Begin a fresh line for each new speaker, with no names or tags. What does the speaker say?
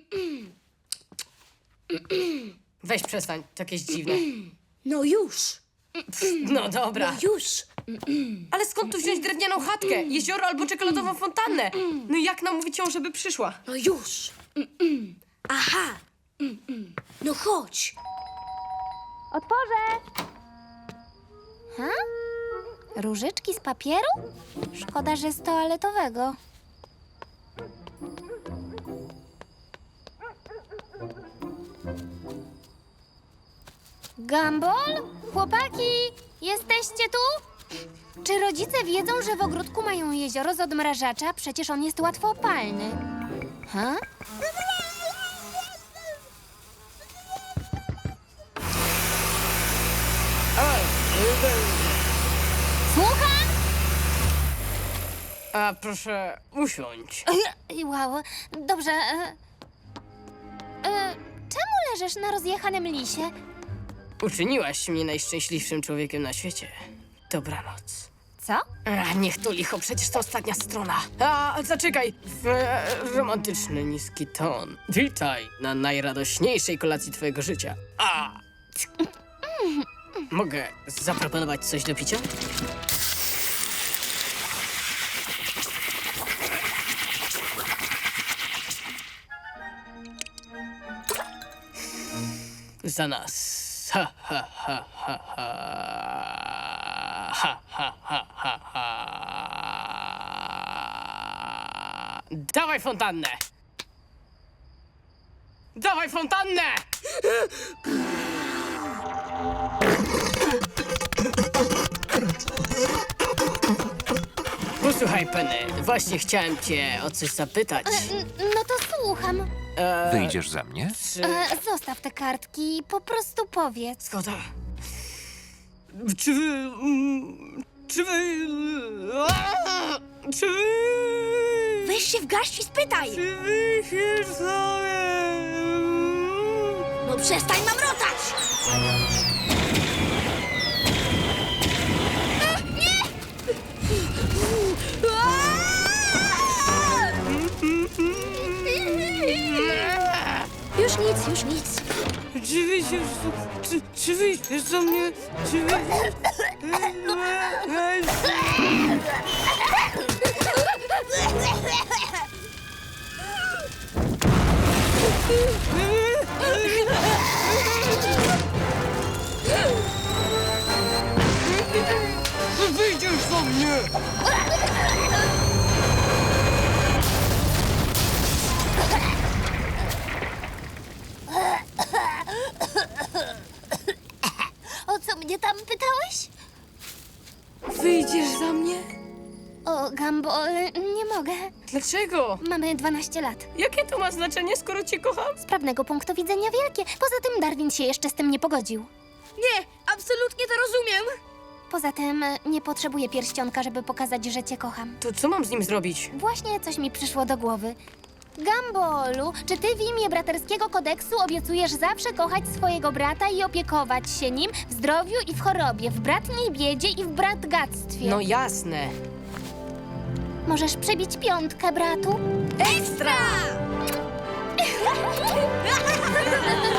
Weź przestań, to jakieś dziwne.
No już,
No dobra.
już.
Ale skąd tu wziąć drewnianą chatkę, jezioro albo czekoladową fontannę? No i jak namówić ją, żeby przyszła?
No już. Aha. No chodź.
Otworzę! Różyczki z papieru? Szkoda, że z toaletowego. Gumball? Chłopaki, jesteście tu? Czy rodzice wiedzą, że w ogródku mają jezioro z odmrażacza? Przecież on jest łatwopalny. Ha? Słucham?
A proszę usiądź.
Wow, dobrze. Czemu leżysz na rozjechanym lisie?
Uczyniłaś mnie najszczęśliwszym człowiekiem na świecie. Dobranoc.
Co?
Niech to licho, przecież to ostatnia strona. Zaczekaj, romantyczny, niski ton. Witaj na najradośniejszej kolacji twojego życia. Mogę zaproponować coś do picia? Za nas. Ha, ha, ha, ha, ha. Ha, ha, ha, ha, ha. Dawaj fontannę! Dawaj fontannę! Posłuchaj, Penny, właśnie chciałem cię o coś zapytać.
No to słucham.
Wyjdziesz za mnie?
Zostaw te kartki, po prostu powiedz.
Zgoda. Czy wy... Czy wy... Czy wy...
Weź się w garść i spytaj.
Czy wy się sobie...
No przestań mamrotać. Już nic, już nic.
Czy wy się... Czy wy się za mnie... Czy wy... Wyjdziesz za mnie!
O co mnie tam pytałeś?
Wyjdziesz za mnie?
O, Gumball, nie mogę.
Dlaczego?
Mamy 12 lat.
Jakie to ma znaczenie, skoro cię kocham?
Z prawnego punktu widzenia wielkie. Poza tym Darwin się jeszcze z tym nie pogodził.
Nie, absolutnie to rozumiem.
Poza tym nie potrzebuję pierścionka, żeby pokazać, że cię kocham.
To co mam z nim zrobić?
Właśnie coś mi przyszło do głowy. Gumballu, czy ty w imię braterskiego kodeksu obiecujesz zawsze kochać swojego brata i opiekować się nim w zdrowiu i w chorobie, w bratniej biedzie i w bratgactwie?
No jasne.
Możesz przebić 5, bratu?
Ekstra!